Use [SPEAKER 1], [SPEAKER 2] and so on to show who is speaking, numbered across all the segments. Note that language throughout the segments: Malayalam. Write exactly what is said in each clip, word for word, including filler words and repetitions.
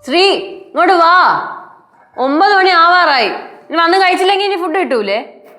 [SPEAKER 1] ശ്രീ ഇങ്ങോട്ട് വാ. ഒമ്പത് മണി ആവാറായി. ഇനി വന്ന് കഴിച്ചില്ലെങ്കിൽ ഇനി ഫുഡ് കിട്ടൂലേ?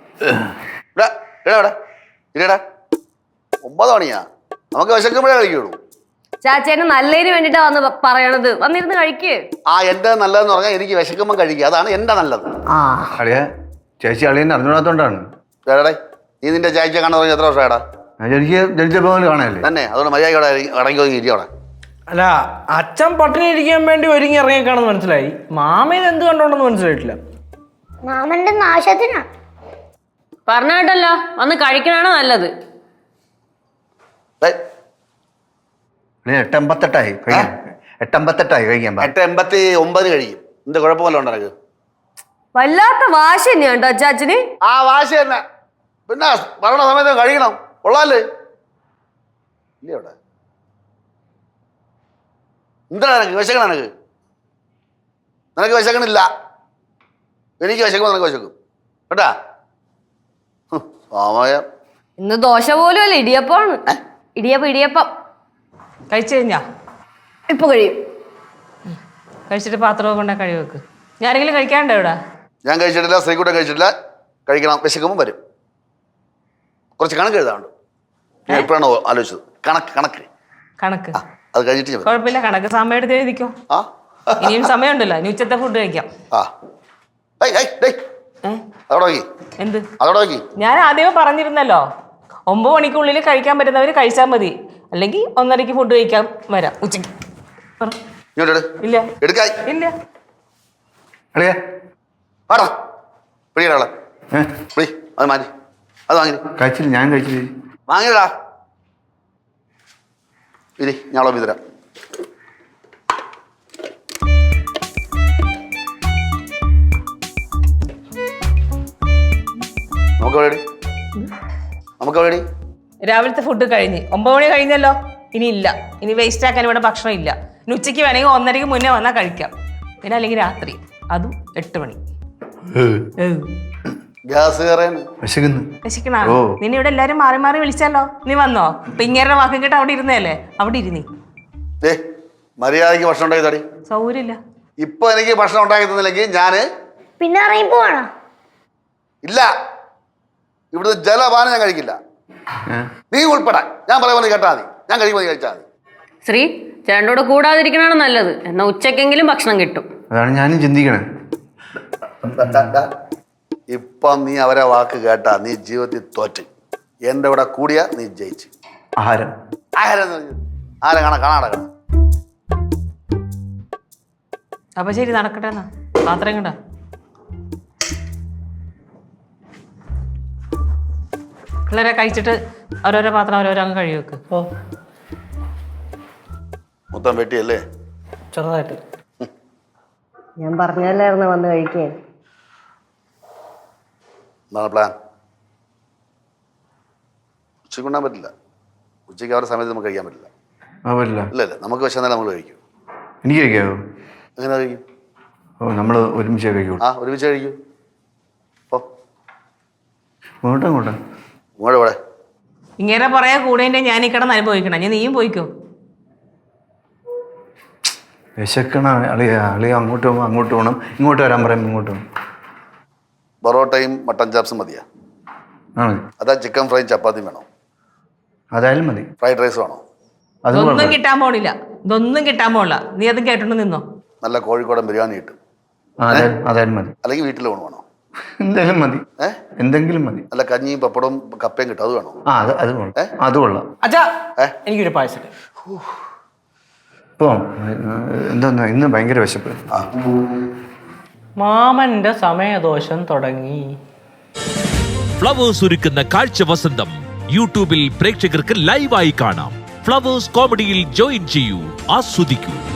[SPEAKER 2] ഒമ്പത് മണിയാ, നമുക്ക് വിശക്കുമ്പോഴേ കഴിക്കുള്ളൂ.
[SPEAKER 1] ചാച്ചേന് നല്ലതിന് വേണ്ടിട്ടാ വന്ന് പറയണത്. വന്നിരുന്ന് കഴിക്ക്.
[SPEAKER 2] ആ എന്റെ നല്ലതെന്ന് പറഞ്ഞാൽ എനിക്ക് വിശക്കുമ്പോൾ കഴിക്കുക, അതാണ് എന്റെ നല്ലത്.
[SPEAKER 3] ആ അളിയ ചേച്ചി അളിയനെ അറിഞ്ഞൂടാത്തോണ്ടാണ്.
[SPEAKER 2] നീ നിന്റെ ചേച്ചിയെ കാണാൻ തുടങ്ങി എത്ര വർഷമായിടാ?
[SPEAKER 3] എനിക്ക് ജനിച്ചപ്പോ കാണാനല്ലേ
[SPEAKER 2] തന്നെ. അതുകൊണ്ട് മര്യാദ അടങ്ങി ഒതുങ്ങി ഇരിക്കവിടെ.
[SPEAKER 4] അല്ല, അച്ഛൻ പട്ടിണി ഇരിക്കാൻ വേണ്ടി ഒരുങ്ങി ഇറങ്ങിയേക്കാണെന്ന് മനസ്സിലായി. മാമയിൽ എന്ത് കണ്ടോണ്ടെന്ന് മനസ്സിലായിട്ടില്ല.
[SPEAKER 5] മാമന്റെ നാശത്തിനാ
[SPEAKER 1] പറഞ്ഞ കേട്ടല്ലോ, വന്ന് കഴിക്കണാണ് നല്ലത്.
[SPEAKER 3] എട്ടമ്പത്തെട്ടായി കഴിയാൻ എട്ടമ്പത്തെട്ടായി കഴിക്കാൻ
[SPEAKER 2] എട്ട് എൺപത്തി ഒമ്പത് കഴിയും. എന്ത് കുഴപ്പമല്ല ഉണ്ട് എനിക്ക്.
[SPEAKER 1] വല്ലാത്ത വാശി തന്നെയാണ്ടോ അച്ചാച്ചന്.
[SPEAKER 2] ആ വാശി തന്നെ. പിന്നെ പറയണ സമയത്ത് കഴിക്കണം. കൊള്ളാല്ലേ? ഇല്ല ഇവിടെ എന്താണ് നിനക്ക് വിശക്കണം? നിനക്ക് നിനക്ക് വിശക്കണില്ല. എനിക്ക് വിശക്കുമ്പോ നിനക്ക് വിശക്കും കേട്ടാ. സമയം
[SPEAKER 1] ഇന്ന് ദോശ പോലും അല്ല, ഇടിയപ്പമാണ്. ഇടിയപ്പം ഇടിയപ്പം
[SPEAKER 6] കഴിച്ചു കഴിഞ്ഞാ
[SPEAKER 1] ഇപ്പൊ കഴിയും.
[SPEAKER 6] കഴിച്ചിട്ട് പാത്രമൊക്കെ കൊണ്ടാ കഴിവ് വെക്ക്. ഞാനെങ്കിലും കഴിക്കാണ്ടോ ഇവിടെ?
[SPEAKER 2] ഞാൻ കഴിച്ചിട്ടില്ല, ശ്രീകുട്ടൻ കഴിച്ചിട്ടില്ല. കഴിക്കണം. വിശക്കുമ്പോൾ വരും. കുറച്ച് കണക്ക് എഴുതാറുണ്ട്. ഞാൻ എപ്പോഴാണോ ആലോചിച്ചത്? കണക്ക് കണക്ക്
[SPEAKER 6] കണക്ക്
[SPEAKER 2] അത് കഴിഞ്ഞിട്ട്
[SPEAKER 6] കുഴപ്പമില്ല. കണക്ക് സമയം എടുത്ത് എഴുതിക്കോ.
[SPEAKER 2] ആ
[SPEAKER 6] ഇനിയും സമയമുണ്ടല്ലോ. ഇനി ഉച്ചത്തെ ഫുഡ് കഴിക്കാം.
[SPEAKER 2] ആ അതോടെ നോക്കി
[SPEAKER 6] എന്ത്
[SPEAKER 2] അതോടെ നോക്കി.
[SPEAKER 6] ഞാൻ ആദ്യമേ പറഞ്ഞിരുന്നല്ലോ, ഒമ്പത് മണിക്കുള്ളിൽ കഴിക്കാൻ പറ്റുന്നവർ കഴിച്ചാൽ മതി. അല്ലെങ്കിൽ ഒന്നരക്ക് ഫുഡ് കഴിക്കാൻ വരാം ഉച്ചയ്ക്ക്. ഇല്ല
[SPEAKER 2] എടുക്കായി
[SPEAKER 6] ഇല്ല
[SPEAKER 3] അളിയ
[SPEAKER 2] ആടാ പിടിക്കടാ. പിടി അത് മാറ്റി അത് വാങ്ങി.
[SPEAKER 3] കഴിച്ചില്ല, ഞാൻ കഴിച്ചില്ല.
[SPEAKER 2] വാങ്ങിയടാ. ഇരി ഞാളോ തരാം. നമുക്ക് എവിടെ നമുക്ക് എവിടെ
[SPEAKER 6] രാവിലത്തെ ഫുഡ് കഴിഞ്ഞ് ഒമ്പത് മണി കഴിഞ്ഞല്ലോ. ഇനി ഇല്ല, ഇനി വേസ്റ്റ് ആക്കാൻ ഇവിടെ ഭക്ഷണം ഇല്ല. ഇനി ഉച്ചയ്ക്ക് വേണമെങ്കിൽ ഒന്നരയ്ക്ക് മുന്നേ വന്നാൽ കഴിക്കാം. പിന്നെ അല്ലെങ്കിൽ രാത്രി, അതും എട്ട് മണി.
[SPEAKER 2] ഗ്യാസ്
[SPEAKER 6] വിശക്കണ നിന്നെ ഇവിടെ എല്ലാരും മാറി മാറി വിളിച്ചല്ലോ. നീ വന്നോ? ഇപ്പൊ ഇങ്ങനെ വാക്കും കേട്ട് അവിടെ ഇരുന്നല്ലേ? അവിടെ ഇരുന്നേ.
[SPEAKER 2] മര്യാദക്ക് ഭക്ഷണം ഉണ്ടാക്കി തടി.
[SPEAKER 6] സൗകര്യമില്ല.
[SPEAKER 2] ഇപ്പൊ എനിക്ക് ഭക്ഷണം ഉണ്ടാക്കി തന്നില്ലെങ്കിൽ ഞാന്
[SPEAKER 5] പിന്നെ ഇറങ്ങി പോവാണോ?
[SPEAKER 2] ഇല്ല, ഇവിടുത്തെ ജലപാനം ഞാൻ കഴിക്കില്ല. നീ ഉൾപ്പെടാൻ ഞാൻ പറയുമ്പോൾ കേട്ടാ മതി. ഞാൻ കഴിക്കുമ്പോൾ കഴിച്ചാൽ മതി.
[SPEAKER 1] ശ്രീ ചേട്ടനോട് കൂടാതിരിക്കണാണ് നല്ലത്. എന്നാ ഉച്ചക്കെങ്കിലും ഭക്ഷണം കിട്ടും.
[SPEAKER 3] അതാണ് ഞാനും ചിന്തിക്കണേ.
[SPEAKER 2] ഇപ്പം നീ അവരെ വാക്ക് കേട്ടാ നീ ജീവിതത്തിൽ തോറ്റ്. എന്റെ ഇവിടെ കൂടിയ നീ ജയിച്ചു.
[SPEAKER 3] ആഹാരം
[SPEAKER 2] ആഹാരം ആരെ കാണാ കാണാട കാണാ.
[SPEAKER 6] അപ്പൊ ശരി, നടക്കട്ടെ. എന്നാ പാത്രം കണ്ട പിള്ളേരെ കഴിച്ചിട്ട് ഓരോരോ പാത്രം ഓരോരോ അങ്ങ് കഴുകി വെക്ക്.
[SPEAKER 4] ഓ
[SPEAKER 2] മൊത്തം വെട്ടിയല്ലേ?
[SPEAKER 4] ചെറുതായിട്ട്.
[SPEAKER 7] ഞാൻ പറഞ്ഞല്ലായിരുന്നു വന്ന് കഴിക്കാൻ.
[SPEAKER 2] എന്താണ് പ്ലാൻ? ഉച്ചയ്ക്ക് കൊണ്ടാൻ പറ്റില്ല. ഉച്ചയ്ക്ക് അവരുടെ സമയത്ത് നമുക്ക് കഴിക്കാൻ പറ്റില്ല.
[SPEAKER 3] പറ്റില്ല.
[SPEAKER 2] ഇല്ല ഇല്ല, നമുക്ക് വിശന്നാലും നമ്മൾ കഴിക്കും.
[SPEAKER 3] എനിക്ക് കഴിക്കാവോ?
[SPEAKER 2] എങ്ങനെ കഴിക്കും?
[SPEAKER 3] ഓ നമ്മൾ ഒരുമിച്ച് കഴിക്കൂ.
[SPEAKER 2] ആ ഒരുമിച്ച് കഴിക്കൂ. ഓ
[SPEAKER 3] ഇങ്ങോട്ടാ ഇങ്ങോട്ടാ
[SPEAKER 2] ഇങ്ങോട്ട് ഇവിടെ
[SPEAKER 6] ഇങ്ങനെ പറയാ കൂടെ ഞാൻ ഈ കിടന്ന് അനുഭവിക്കണം. ഞാൻ നീയും പോയിക്കോ.
[SPEAKER 3] വിശക്കണ അളിയ അളിയ അങ്ങോട്ട് പോകുമ്പോൾ അങ്ങോട്ട് പോകണം, ഇങ്ങോട്ട് വരാൻ പറയുമ്പോൾ ഇങ്ങോട്ട് പോകണം.
[SPEAKER 2] പൊറോട്ടയും മട്ടൻ ചാപ്സും മതിയാ?
[SPEAKER 3] ആണ്.
[SPEAKER 2] അതാ ചിക്കൻ ഫ്രൈയും ചപ്പാത്തിയും വേണോ?
[SPEAKER 3] അതായാലും മതി.
[SPEAKER 2] ഫ്രൈഡ് റൈസ് വേണോ?
[SPEAKER 6] അതൊന്നും കിട്ടാൻ പോണില്ല. ഇതൊന്നും കിട്ടാൻ പോണില്ല. നീ അതും കേട്ടോണ്ട് നിന്നോ.
[SPEAKER 2] നല്ല കോഴിക്കോടൻ ബിരിയാണി കിട്ടും.
[SPEAKER 3] അതായാലും മതി.
[SPEAKER 2] അല്ലെങ്കിൽ വീട്ടിൽ ഊണ് വേണോ?
[SPEAKER 3] എന്തെങ്കിലും മതി. ഏഹ് എന്തെങ്കിലും മതി.
[SPEAKER 2] നല്ല കഞ്ഞിയും പപ്പടവും കപ്പയും കിട്ടും, അത് വേണോ?
[SPEAKER 3] ആ അത് അത് കൊള്ളാം. അത് കൊള്ളാം.
[SPEAKER 4] അച്ഛാ എനിക്കൊരു പായസം.
[SPEAKER 3] ഇപ്പം എന്താ ഇന്ന് ഭയങ്കര വിശപ്പ്.
[SPEAKER 4] മാമന്റെ സമയദോഷം തുടങ്ങി.
[SPEAKER 8] ഫ്ലവേഴ്സ് ഒരുക്കുന്ന കാഴ്ച വസന്തം യൂട്യൂബിൽ പ്രേക്ഷകർക്ക് ലൈവായി കാണാം. ഫ്ലവേഴ്സ് കോമഡിയിൽ ജോയിൻ ചെയ്യൂ, ആസ്വദിക്കൂ.